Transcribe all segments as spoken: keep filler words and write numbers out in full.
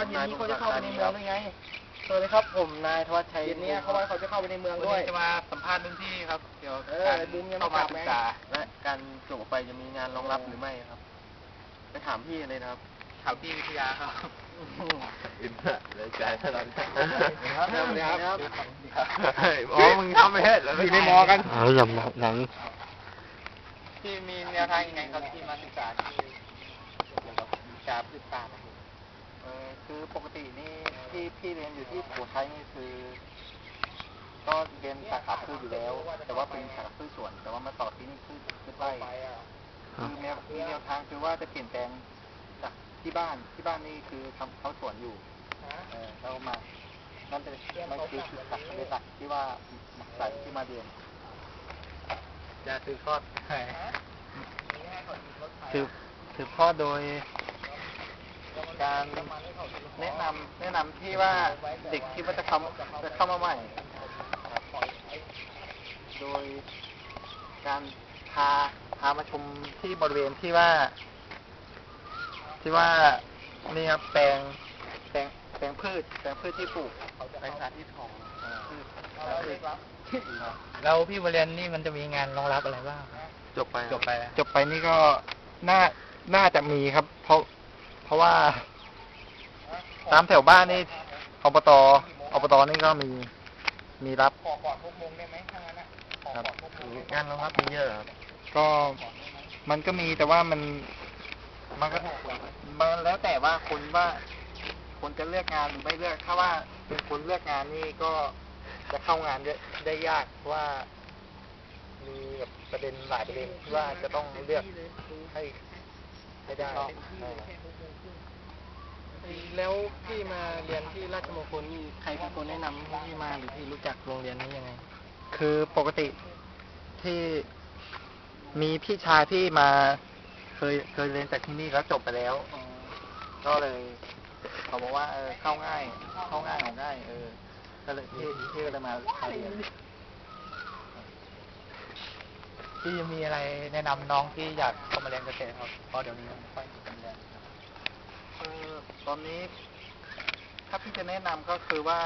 เย็นนี้เขาจะเข้าไปในเมืองด้วยไงสวัสดีครับผมนายธวัชชัยเย็นนี้เขาว่าเขาจะเข้าไปในเมืองด้วยจะมาสัมภาษณ์รุ่นพี่ครับเกี่ยวกับการเข้ามาศึกษาและการจบไปจะมีงานรองรับหรือไม่ครับไปถามพี่เลยนะครับถามพี่วิทยาครับอินเตอร์เลยใจตลอดครับสวัสดีครับอ๋อมึงทำไม่เห็นแล้วอยู่ในมอกันเอาหลังหลังที่มีแนวทางยังไงครับที่มาศึกษาที่เกี่ยวกับวิชาพืชป่าครับเออคือปกตินี่ที่พี่เรียนอยู่ที่ผัวไทยนี่คือก็เรียนสาขาพืชอยู่แล้ว แต่ว่าเป็นสาขาพืชสวน แต่ว่ามาต่อที่นี่พืชพืชไร่คือแนวแนวทางคือว่าจะเปลี่ยนแปลงจากที่บ้านที่บ้านนี่คือทำเขาสวนอยู่เออเรามานั่นเป็นมันคือจุดหลักในหลักที่ว่าหลักสายที่มาเรียนจะสืบทอดสืบสืบทอดโดยการแนะนำแนะนำที่ว่าเด็กที่ว่าจะเข้าจะเข้ามาใหม่โดยการพาพามาชมที่บริเวณที่ว่าที่ว่านี่ครับแปลงแปลงแปลงพืชแปลงพืชที่ปลูกแปลงสาธิตของพืชแล้วพี่บริเวณนี่มันจะมีงานรองรับอะไรบ้างจบไปจบไปจบไปนี่ก็น่าน่าจะมีครับ เพราะเพราะว่าตามแถวบ้านนี่อบตอบตนี่ก็มีมีรับขอก่อนหกโมงได้ไหมถ้างั้นนะครับงานรองรับมีเยอะครับก็มันก็มีแต่ว่ามันมันก็มันแล้วแต่ว่าคนว่าคนจะเลือกงานหรือไม่เลือกถ้าว่าเป็นคนเลือกงานนี่ก็จะเข้างานได้ยากเพราะว่ามีแบบประเด็นหลายประเด็นที่ว่าจะต้องเลือกให้ให้ได้แล้วพี่มาเรียนที่ราชมงคลนี่ใครเป็นคนแนะนำให้พี่มาหรือพี่รู้จักโรงเรียนนี้ยังไงคือปกติที่มีพี่ชายที่มาเคยเคยเรียนจากที่นี่แล้วจบไปแล้วก็เลยเขาบอกว่าเออเข้าง่ายเข้าง่ายออกง่ายเออก็เลยที่ที่ก็เลยมาเรียนพี่มีอะไรแนะนำน้องที่อยากเข้ามาเรียนเกษตรครับเพราะเดี๋ยวนี้ไม่ค่อยมีการเรียนเออตอนนี้ถ้าพี่จะแนะนำก็คือว่า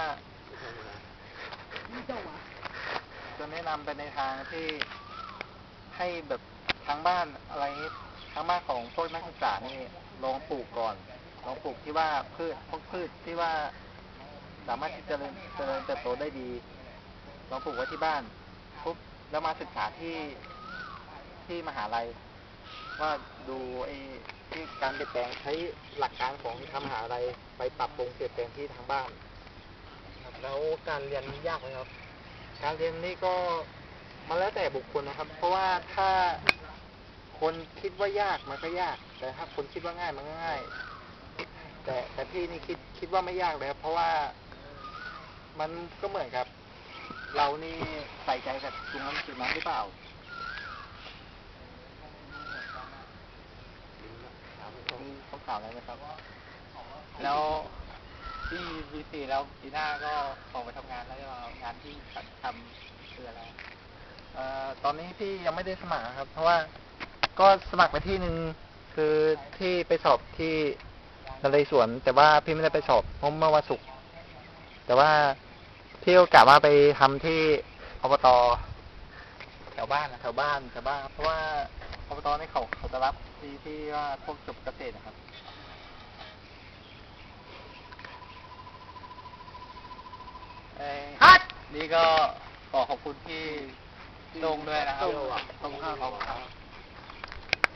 จะแนะนำไปในทางที่ให้แบบทางบ้านอะไรทางบ้านของพวกนักศึกษานี่ลองปลูกก่อนลองปลูกที่ว่าพืชพวกพืชที่ว่าสามารถที่จะเจริญเจริญเติบโตได้ดีลองปลูกไว้ที่บ้านปุ๊บแล้วมาศึกษาที่ที่มหาลัยว่าดูไอ้ที่การเปลี่ยนแปลงใช้หลักการของทางมหาลัยไปปรับปรุงเปลี่ยนแปลงที่ทางบ้านแล้วการเรียนยากไหมครับการเรียนนี่ก็มันแล้วแต่บุคคลนะครับ เพราะว่าถ้าคนคิดว่ายากมันก็ยากแต่ถ้าคนคิดว่าง่ายมันก็ง่ายแต่แต่พี่นี่คิดคิดว่าไม่ยากเลยครับเพราะว่ามันก็เหมือนกับเรานี่ใส่ใจกับตรงนั้นจุดนั้นหรือเปล่ามีคำถามอะไรไหมครับแล้วที่ปีสี่แล้วปีหน้าก็ออกไปทำงานแล้วจะงานที่ทำคืออะไรเอ่อตอนนี้พี่ยังไม่ได้สมัครครับเพราะว่าก็สมัครไปที่หนึ่งคือที่ไปสอบที่นเรศวรแต่ว่าพี่ไม่ได้ไปสอบเพราะเมื่อวันศุกร์แต่ว่าพี่ก็กะว่าไปทำที่อบตแถวบ้านแถวบ้านแถวบ้านเพราะว่าอบตนี่เขาเขาจะรับที่ที่ว่าพวกจบเกษตรนะครับฮัทนี่ก็ขอขอบคุณที่ลงด้วยนะครับขอบคุณครับ